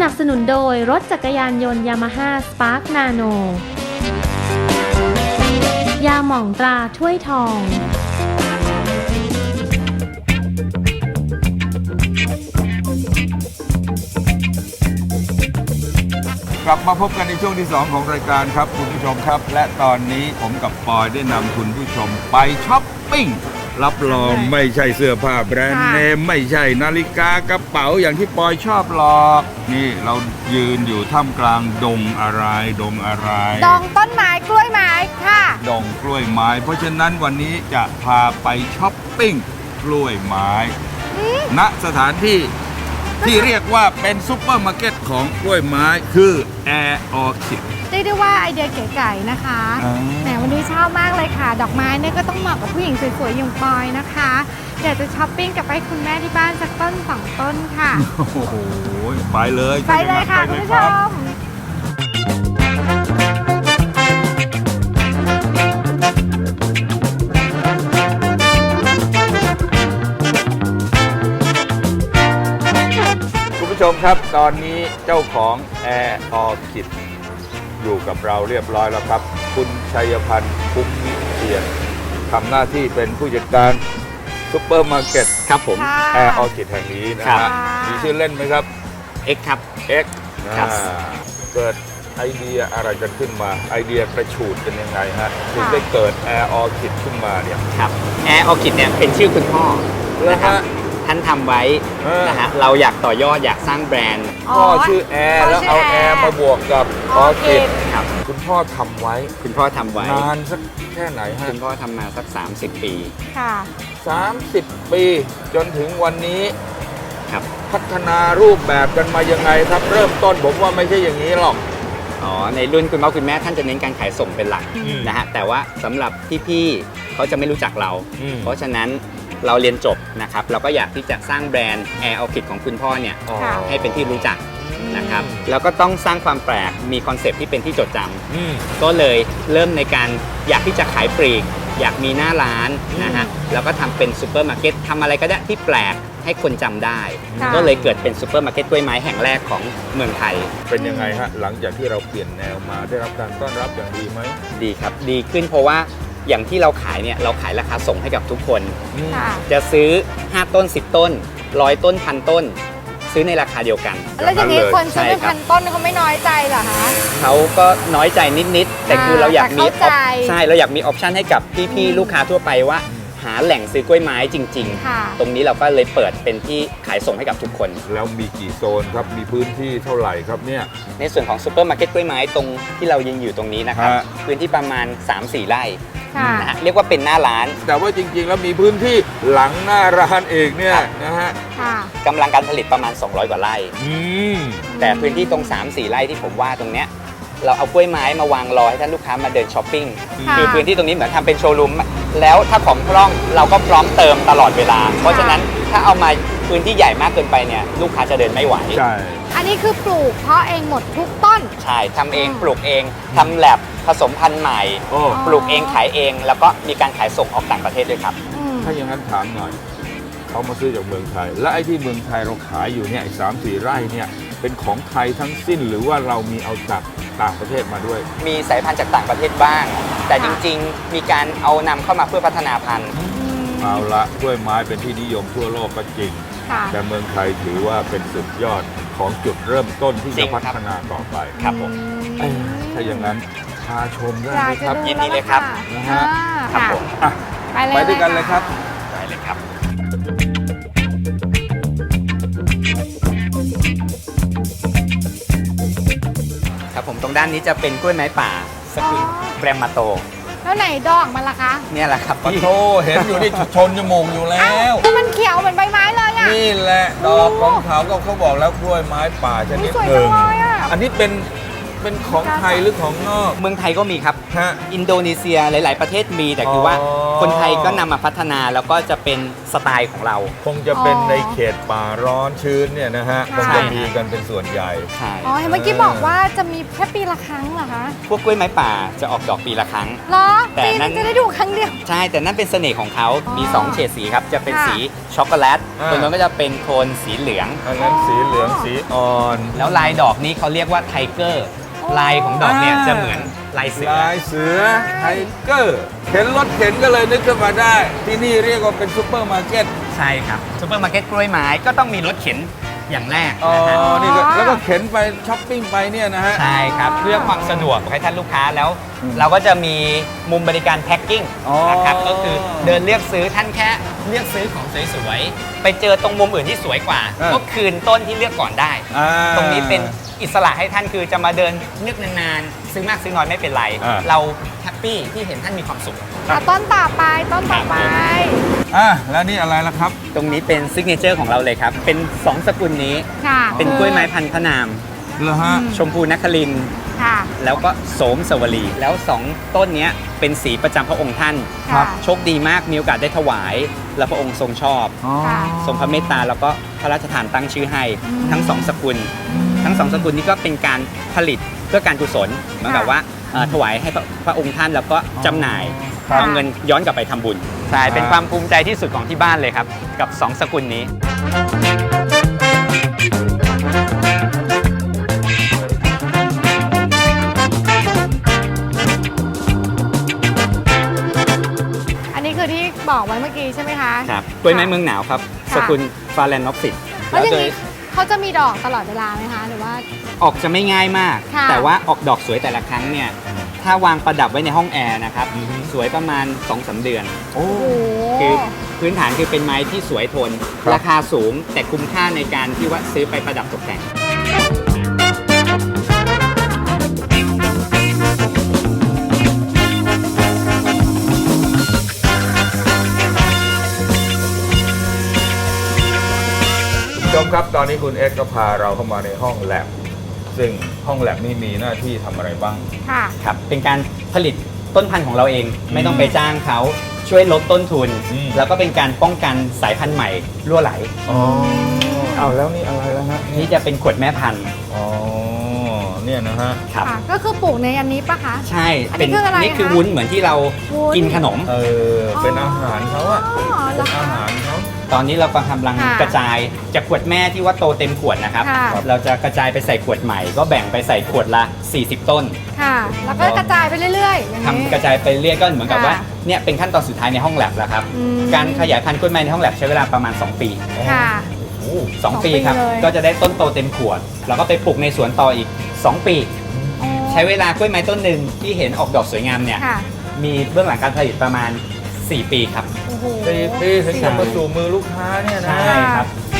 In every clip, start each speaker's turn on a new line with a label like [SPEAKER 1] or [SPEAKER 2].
[SPEAKER 1] นับสนุนโดยรถจักรยานยนต์ยามาฮ่าสปาร์คนาโนยาหม่องตราถ้วยทอง
[SPEAKER 2] กลับมาพบกันในช่วงที่ 2 ของรายการครับคุณผู้ชมครับและตอนนี้ผมกับปอยได้นำคุณผู้ชมไปช้อปปิ้งรับรองไม่ใช่เสื้อผ้าแบรนด์เนมไม่ใช่นาฬิกากระเป๋าอย่างที่ปอยชอบหรอกนี่เรายืนอยู่ท่ามกลางดงอะไรดง
[SPEAKER 3] ต้นไม้กล้วยไม้ค่ะ
[SPEAKER 2] ดงกล้วยไม้เพราะฉะนั้นวันนี้จะพาไปช้อปปิ้งกล้วยไม้ณสถานที่ที่เรียกว่าเป็นซุปเปอร์มาร์เก็ตของกล้วยไม้คือ Air Orchid
[SPEAKER 3] เรียกได้ว่าไอเดียเก๋ๆนะคะแหมวันนี้ชอบมากเลยค่ะดอกไม้เนี่ยก็ต้องเหมาะกับผู้หญิงสวยๆอย่างปอยนะคะเดี๋ยวจะช้อปปิ้งกับไปคุณแม่ที่บ้านสักต้น2 ต้นค่ะ
[SPEAKER 2] โอ้โหไปเลย
[SPEAKER 3] ค่ะคุณผู้ชม
[SPEAKER 2] คุณผู้ชมครับตอนนี้เจ้าของ Air Orchid อยู่กับเราเรียบร้อยแล้วครับคุณชัยพันธ์คุ้มวิเชียรทำหน้าที่เป็นผู้จัดการซุปเปอร์มาร์เก็ต
[SPEAKER 4] ครับผม
[SPEAKER 2] Air Orchid แห่งนี้นะฮะมีชื่อเล่นไหมครับ
[SPEAKER 4] X ครับ
[SPEAKER 2] X เกิดไอเดียอะไรกันขึ้นมาไอเดียกระฉูดกันยังไงฮะถึงได้เกิด Air Orchid ขึ้นมาเนี่ย
[SPEAKER 4] ครับ Air Orchid เนี่ยเป็นชื่อคุณพ่อนะครับท่านทำไว้นะฮะเราอยากต่อยอดอยากสร้างแบรนด์
[SPEAKER 2] พ่อชื่อแอร์แล้วเอาแอร์มาบวกกับออร์คิด
[SPEAKER 4] ครับ
[SPEAKER 2] คุณพ่อทำไว้นานสักแค่ไหนฮะ
[SPEAKER 4] คุณพ่อทำมาสัก30 ปี
[SPEAKER 3] ค่ะ
[SPEAKER 2] 30 ปีจนถึงวันนี้
[SPEAKER 4] ครับ
[SPEAKER 2] พัฒนารูปแบบกันมายังไงครับเริ่มต้นผมว่าไม่ใช่อย่างนี้หรอก
[SPEAKER 4] ในรุ่นคุณพ่อคุณแม่ท่านจะเน้นการขายส่งเป็นหลักนะฮะแต่ว่าสำหรับพี่ๆเขาจะไม่รู้จักเราเพราะฉะนั้นเราเรียนจบนะครับเราก็อยากที่จะสร้างแบรนด์ Air Orchid ของคุณพ่อเนี่ยให้เป็นที่รู้จักนะครับแล้วก็ต้องสร้างความแปลกมีคอนเซปต์ที่เป็นที่จดจำก็เลยเริ่มในการอยากที่จะขายปลีกอยากมีหน้าร้านนะฮะแล้วก็ทำเป็นซูเปอร์มาร์เก็ตทำอะไรก็ได้ที่แปลกให้คนจำได้ก็เลยเกิดเป็นซูเปอร์มาร์เก็ตกล้วยไม้แห่งแรกของเมืองไทย
[SPEAKER 2] เป็นยังไงฮะหลังจากที่เราเปลี่ยนแนวมาได้รับการต้อนรับอย่างดีไหม
[SPEAKER 4] ดีครับดีขึ้นเพราะว่าอย่างที่เราขายเนี่ยเราขายราคาส่งให้กับทุกคนจะซื้อ5 ต้น 10 ต้น100 ต้น1,000 ต้นซื้อในราคาเดียวกัน
[SPEAKER 3] แล้วอย่างนี้คนซื้อเป็น1,000 ต้นเขาไม่น้อยใจเหรอคะ
[SPEAKER 4] เขาก็น้อยใจนิดๆแต่คือเราอยากมีใช่เราอยากมีออปชันให้กับพี่ๆลูกค้าทั่วไปว่าหาแหล่งซื้อกล้วยไม้จริงๆตรงนี้เราก็เลยเปิดเป็นที่ขายส่งให้กับทุกคน
[SPEAKER 2] แล้วมีกี่โซนครับมีพื้นที่เท่าไหร่ครับเนี่ย
[SPEAKER 4] ในส่วนของซูเปอร์มาร์เก็ตกล้วยไม้ตรงที่เรายืนอยู่ตรงนี้นะครับพื้นที่ประมาณ 3-4 ไร่นะฮะเรียกว่าเป็นหน้าร้าน
[SPEAKER 2] แต่ว่าจริงๆแล้วมีพื้นที่หลังหน้าร้านเองเนี่ยนะฮะ
[SPEAKER 4] กำลังการผลิตประมาณ200 กว่าไร่แต่พื้นที่ตรง 3-4 ไร่ที่ผมว่าตรงเนี้ยเราเอากล้วยไม้มาวางรอให้ท่านลูกค้ามาเดินช้อปปิ้งคือพื้นที่ตรงนี้เหมือนทำเป็นโชว์รูมแล้วถ้าของพร่องเราก็พร้อมเติมตลอดเวลาเพราะฉะนั้นถ้าเอามาพื้นที่ใหญ่มากเกินไปเนี่ยลูกค้าจะเดินไม่ไหว
[SPEAKER 2] ใช่
[SPEAKER 3] อันนี้คือปลูกเพาะเองหมดทุกต้น
[SPEAKER 4] ใช่ทำเองปลูกเองทำแลบผสมพันธุ์ใหม่ปลูกเองขายเองแล้วก็มีการขายส่งออกต่างประเทศด้วยครับ
[SPEAKER 2] ถ้าอย่างนั้นถามหน่อยเขามาซื้อจากเมืองไทยและไอ้ที่เมืองไทยเราขายอยู่เนี่ย3-4 ไร่เนี่ยเป็นของไทยทั้งสิ้นหรือว่าเรามีเอาจากต่างประเทศมาด้วย
[SPEAKER 4] มีสายพันธุ์จากต่างประเทศบ้างแต่จริงๆมีการเอานำเข้ามาเพื่อพัฒนาพันธุ์
[SPEAKER 2] เอาละกล้วยไม้เป็นที่นิยมทั่วโลกก็จริงแต่เมืองไทยถือว่าเป็นสุดยอดของจุดเริ่มต้นที่จะพัฒนาต่อไป
[SPEAKER 4] ครับผม
[SPEAKER 2] ถ้าอย่างนั้นพาชมได้ไหมครับ
[SPEAKER 4] ยินดีเลยครับ
[SPEAKER 2] นะฮะ
[SPEAKER 4] ครับผม
[SPEAKER 2] ไปด้วยกันเลยครับ
[SPEAKER 4] ไปเลยครับครับผมตรงด้านนี้จะเป็นกล้วยไม้ป่าสกุลแกรมมาโต
[SPEAKER 3] แล้วไหนดอกมันล่ะคะ
[SPEAKER 4] เนี่ยแหละครับ
[SPEAKER 2] พี่โธเห็นอยู่นี่ชนจมูกอยู่แล้ว
[SPEAKER 3] มันเขียวเหมือนใบไม้เลยอ่ะ
[SPEAKER 2] นี่แหละดอกของเขาก็เขาบอกแล้วกล้วยไม้ป่าชนิดหนึ่งอันนี้เป็นเป็นของไทยหรือของนอก
[SPEAKER 4] เมืองไทยก็มีครับ
[SPEAKER 2] ฮะ
[SPEAKER 4] อินโดนีเซียหลาย ๆ ประเทศมีแต่คือว่า
[SPEAKER 2] อ๋อ
[SPEAKER 4] คนไทยก็นำมาพัฒนาแล้วก็จะเป็นสไตล์ของเรา
[SPEAKER 2] คงจะเป็นในเขตป่าร้อนชื้นเนี่ยนะฮะคงจะมีกันเป็นส่วนใหญ่
[SPEAKER 4] ใช่
[SPEAKER 3] อ๋อเห็นเมื่อกี้บอกว่าจะมีแค่ปีละครั้งเหรอคะ
[SPEAKER 4] พวกกล้วยไม้ป่าจะออกดอกปีละครั้ง
[SPEAKER 3] เหรอ
[SPEAKER 4] แต่
[SPEAKER 3] ปี
[SPEAKER 4] นั่
[SPEAKER 3] นึ
[SPEAKER 4] น
[SPEAKER 3] งจะได้ดูครั้งเดียว
[SPEAKER 4] ใช่แต่นั่นเป็นเสน่ห์ของเขามี
[SPEAKER 3] อ๋อ
[SPEAKER 4] 2 เฉดสีครับจะเป็น
[SPEAKER 3] ค่ะ
[SPEAKER 4] สีช็อกโกแลต
[SPEAKER 2] อ่า
[SPEAKER 4] ตรงนั้นก็จะเป็นโทนสีเหลือง
[SPEAKER 2] อันนั้นสีเหลืองสีอ่อน
[SPEAKER 4] แล้วลายดอกนี้เขาเรียกว่าไทเกอร์ลายของดอกเนี่ยจะเหมือนลายเสือ
[SPEAKER 2] ลายเสือไทเกอร์เข็นรถเข็นก็เลยนึกขึ้นมาได้ ที่นี่เรียกว่าเป็นซูเปอร์มาร์เก็ต
[SPEAKER 4] ใช่ครับซูเปอร์มาร์เก็ตกล้วยไม้ก็ต้องมีรถเข็นอย่างแรก
[SPEAKER 2] อ๋อ
[SPEAKER 4] นะฮะ
[SPEAKER 2] นี่ก็แล้วก็เข็นไปช้อปปิ้งไปเนี่ยนะฮะ
[SPEAKER 4] ใช่ครับเพื่อความสะดวกให้ท่านลูกค้าแล้ว
[SPEAKER 2] อืม
[SPEAKER 4] เราก็จะมีมุมบริการแพ็คกิ้ง
[SPEAKER 2] อ๋อ
[SPEAKER 4] นะครับก็คือเดินเลือกซื้อท่านแค่เลือกซื้อของสวยๆไปเจอตรงมุมอื่นที่สวยกว่า ก็คืนต้นที่เลือกก่อนได้
[SPEAKER 2] อ่า
[SPEAKER 4] ตรงนี้เป็นอิสระให้ท่านคือจะมาเดินเลือกนานๆซื้อมากซื้อน้อยไม่เป็นไร
[SPEAKER 2] อ่า
[SPEAKER 4] เราแฮปปี้ที่เห็นท่านมีความสุข
[SPEAKER 3] อ่ะต้นต่อไปต้นต่อไป
[SPEAKER 2] อ่ะแล้วนี่อะไรล่ะครับ
[SPEAKER 4] ตรงนี้เป็นซิกเนเจอร์ของเราเลยครับ เป็น 2 สกุลนี้
[SPEAKER 3] ค่ะ
[SPEAKER 4] เป็นกล้วยไม้พันธุ์พระนาม
[SPEAKER 2] เหรอฮะ
[SPEAKER 4] ชมพูนครินทร์
[SPEAKER 3] ค่ะ
[SPEAKER 4] แล้วก็โสมสวลี แล้ว 2 ต้นเนี้ยเป็นสีประจำพระองค์ท่าน
[SPEAKER 3] ค่ะ
[SPEAKER 4] โชคดีมากมีโอกาสได้ถวาย และพระองค์ทรงชอบ
[SPEAKER 2] อ๋อ
[SPEAKER 3] ค่ะ
[SPEAKER 4] ทรงพระเมตตาแล้วก็พระราชทานตั้งชื่อให้
[SPEAKER 3] อืม
[SPEAKER 4] ทั้ง 2 สกุล ทั้ง 2 สกุลนี้ก็เป็นการผลิตเพื่อการกุศลเหมือนกับว่าถวายให้พระองค์ท่านแล้วก็จำหน่าย
[SPEAKER 3] ครับ
[SPEAKER 4] เอาเงินย้อนกลับไปทำบุญใช่เป็นความภูมิใจที่สุดของที่บ้านเลยครับกับ 2 สกุลนี้
[SPEAKER 3] อันนี้คือที่บอกไว้เมื่อกี้ใช่ไหมคะ
[SPEAKER 4] ครับกล้วยไม้เมืองหนาวครับ
[SPEAKER 3] ค่ะ
[SPEAKER 4] สกุลฟาแลนนอฟซิต
[SPEAKER 3] แล้วอย่างนี้เขาจะมีดอกตลอดเวลาไหมคะ หรือว่า
[SPEAKER 4] ออกจะไม่ง่ายมาก
[SPEAKER 3] ค่ะ
[SPEAKER 4] แต่ว่าออกดอกสวยแต่ละครั้งเนี่ยถ้าวางประดับไว้ในห้องแอร์นะครับ
[SPEAKER 2] อือฮึ
[SPEAKER 4] สวยประมาณ 2-3 เดือน
[SPEAKER 2] โอ้
[SPEAKER 3] โอ้โห
[SPEAKER 4] คือพื้นฐานคือเป็นไม้ที่สวยทน
[SPEAKER 2] ครับ
[SPEAKER 4] ราคาสูงแต่คุ้มค่าในการที่ว่าซื้อไปประดับตกแต่ง
[SPEAKER 2] ชมครับตอนนี้คุณเอ็กซ์ก็พาเราเข้ามาในห้องแลบซึ่งห้องแลบนี่มีหน้าที่ทำอะไรบ้าง
[SPEAKER 3] ค่ะ
[SPEAKER 4] ครับเป็นการผลิตต้นพันธุ์ของเราเอง ไม่ต้องไปจ้างเขาช่วยลดต้นทุน
[SPEAKER 2] อืม
[SPEAKER 4] แล้วก็เป็นการป้องกันสายพันธุ์ใหม่รั่วไหล
[SPEAKER 2] อ๋อเอาแล้วนี่อะไรแล้วฮะ
[SPEAKER 4] นี่จะเป็นขวดแม่พันธุ์
[SPEAKER 2] อ๋อเนี่ยนะฮะ
[SPEAKER 4] ครับ
[SPEAKER 3] ค่ะ ก็คือปลูกในอันนี้ปะคะ
[SPEAKER 4] ใช่
[SPEAKER 3] อันนี้คืออะไร
[SPEAKER 4] นี่คือ
[SPEAKER 3] คะ
[SPEAKER 4] วุ้นเหมือนที่เรา
[SPEAKER 3] วุ้น
[SPEAKER 4] กินขนม
[SPEAKER 2] เป็นอาหารเขาอะ
[SPEAKER 3] อ๋อเหร
[SPEAKER 2] เป็
[SPEAKER 3] อน คะ
[SPEAKER 2] อาหารเขา
[SPEAKER 4] ตอนนี้เรากำลัง
[SPEAKER 3] ค่ะ
[SPEAKER 4] กระจายจากขวดแม่ที่ว่าโตเต็มขวดนะครับ
[SPEAKER 3] ค่ะ
[SPEAKER 4] เราจะกระจายไปใส่ขวดใหม่ ก็แบ่งไปใส่ขวดละ 40 ต้น
[SPEAKER 3] ค่ะ แล้วก็กระจายไปเรื่อยๆอย่าง
[SPEAKER 4] ทำ
[SPEAKER 3] นี้
[SPEAKER 4] กระจายไปเรื่อยก็เหมือนกับ
[SPEAKER 3] ค่ะ
[SPEAKER 4] ว่าเนี่ยเป็นขั้นตอนสุดท้ายในห้องแลบแล้วครับ
[SPEAKER 3] อืม
[SPEAKER 4] การขยายพันธุ์กล้วยไม้ในห้องแลบใช้เวลาประมาณ 2 ปี
[SPEAKER 3] ค่ะ
[SPEAKER 2] โอ้
[SPEAKER 4] 2 ปีครับ
[SPEAKER 3] เลย
[SPEAKER 4] ก็จะได้ต้นโตเต็มขวด แล้วก็ไปปลูกในสวนต่ออีก 2 ปี
[SPEAKER 3] อ๋อ
[SPEAKER 4] ใช้เวลากล้วยไม้ต้นหนึ่งที่เห็นออกดอกสวยงามเนี่ย
[SPEAKER 3] ค่ะ
[SPEAKER 4] มีเบื้องหลังการผลิตประมาณ 4 ปีครับ
[SPEAKER 3] โอ้โห
[SPEAKER 2] 4 ปีถึงจะมาสู่มือลูกค้าเนี่ยนะ
[SPEAKER 4] ใช่ครับ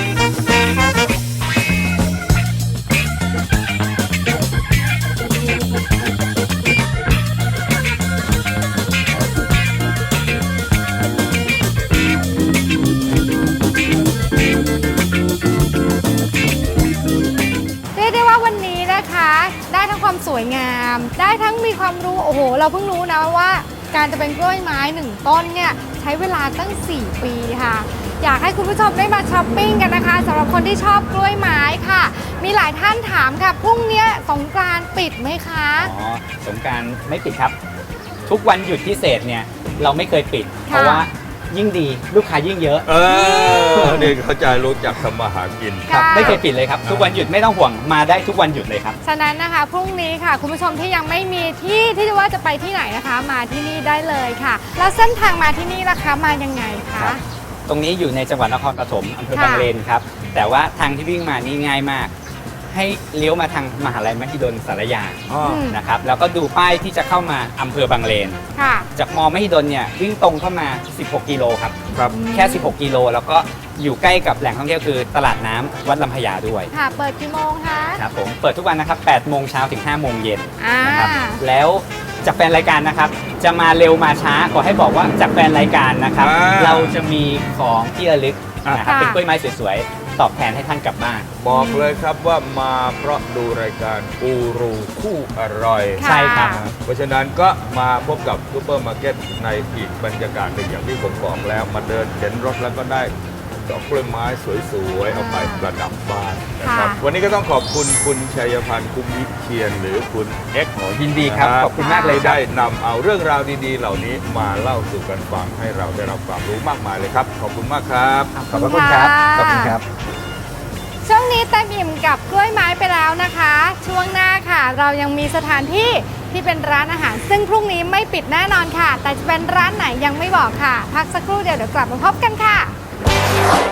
[SPEAKER 3] เรียกได้ว่าวันนี้นะคะ ได้ทั้งความสวยงาม ได้ทั้งมีความรู้ โอ้โห เราเพิ่งรู้นะว่า การจะเป็นกล้วยไม้หนึ่งต้นเนี่ยใช้เวลาตั้ง 4 ปีค่ะ อยากให้คุณผู้ชมได้มาช้อปปิ้งกันนะคะสำหรับคนที่ชอบกล้วยไม้ค่ะ มีหลายท่านถามค่ะพรุ่งนี้สงกรานต์ปิดไหมคะ
[SPEAKER 4] อ๋อสงกรารไม่ปิดครับ ทุกวันหยุดพิเศษเนี่ยเราไม่เคยปิด เพราะว่ายิ่งดีลูกค้ายิ่งเยอะ
[SPEAKER 2] นี่เขาใจะรู้จักทำมาหากิน
[SPEAKER 4] ครับ
[SPEAKER 3] ค่ะ
[SPEAKER 4] ไม่เคยปิดเลยครับ ทุกวันหยุดไม่ต้องห่วงมาได้ทุกวันหยุดเลยครับ
[SPEAKER 3] ฉะนั้นนะคะพรุ่งนี้ค่ะ คุณผู้ชมที่ยังไม่มีที่ที่จะว่าจะไปที่ไหนนะคะ มาที่นี่ได้เลยค่ะ แล้วเส้นทางมาที่นี่ล่ะคะมายังไงคะ
[SPEAKER 4] ครับ ตรงนี้อยู่ในจังหวัดนครปฐมอำเภอ
[SPEAKER 3] ค่ะ
[SPEAKER 4] บางเลนครับ แต่ว่าทางที่วิ่งมานี่ง่ายมาก ให้เลี้ยวมาทางมหาลัยมหิดลสารยา
[SPEAKER 2] อ๋อ
[SPEAKER 4] นะครับ แล้วก็ดูป้ายที่จะเข้ามาอำเภอบางเลน
[SPEAKER 3] ค่ะ
[SPEAKER 4] จากมอมหิดลเนี่ยวิ่งตรงเข้ามา 16 กิโลครับ
[SPEAKER 2] ครับ
[SPEAKER 4] แค่ 16 กิโลแล้วก็อยู่ใกล้กับแหล่งท่องเที่ยวคือตลาดน้ำวัดลำพญาด้วย
[SPEAKER 3] ค่ะ เปิดกี่โมงคะ
[SPEAKER 4] ครับผมเปิดทุกวันนะครับ 8 โมงเช้าถึง 5 โมงเย็น
[SPEAKER 3] อ่า
[SPEAKER 4] นะครับแล้วจากแฟนรายการนะครับ จะมาเร็วมาช้าขอให้บอกว่าจากแฟนรายการนะครับ
[SPEAKER 2] อ่า
[SPEAKER 4] เราจะมีของที่ระลึกนะครับ
[SPEAKER 3] ค่ะ
[SPEAKER 4] เป็นกล้วยไม้สวยๆตอบแทนให้ท่านกลับบ้าน
[SPEAKER 2] บอกเลยครับว่ามาเพราะดูรายการกูรูคู่อร่อย
[SPEAKER 3] ค่ะ
[SPEAKER 4] ใช่ครับ
[SPEAKER 2] เพราะฉะนั้นก็มาพบกับซูเปอร์มาร์เก็ตในอีกบรรยากาศหนึ่งอย่างที่ผมบอกแล้ว มาเดินเห็นรถแล้วก็ได้ดอกกล้วยไม้สวยๆเอาไปประดับบ้านนะครับ
[SPEAKER 3] ค่ะ
[SPEAKER 2] วันนี้ก็ต้องขอบคุณคุณชัยพันธ์คุ้มวิเชียนหรือคุณเอ็กซ์
[SPEAKER 4] ยินดีครับขอบคุณมากเลยครับ
[SPEAKER 2] ได้นำเอาเรื่องราวดีๆ เหล่านี้มาเล่าสู่กันฟังให้เราได้รับความรู้มากมายเลยครับ ขอบคุณมากครับ
[SPEAKER 4] ขอบพระคุณครับ ขอบคุณครับ
[SPEAKER 3] ช่วงนี้เต็มอิ่มกับกล้วยไม้ไปแล้วนะคะ ช่วงหน้าค่ะ เรายังมีสถานที่ที่เป็นร้านอาหาร ซึ่งพรุ่งนี้ไม่ปิดแน่นอนค่ะ แต่จะเป็นร้านไหนยังไม่บอกค่ะ พักสักครู่เดียวเดี๋ยวกลับมาพบกันค่ะ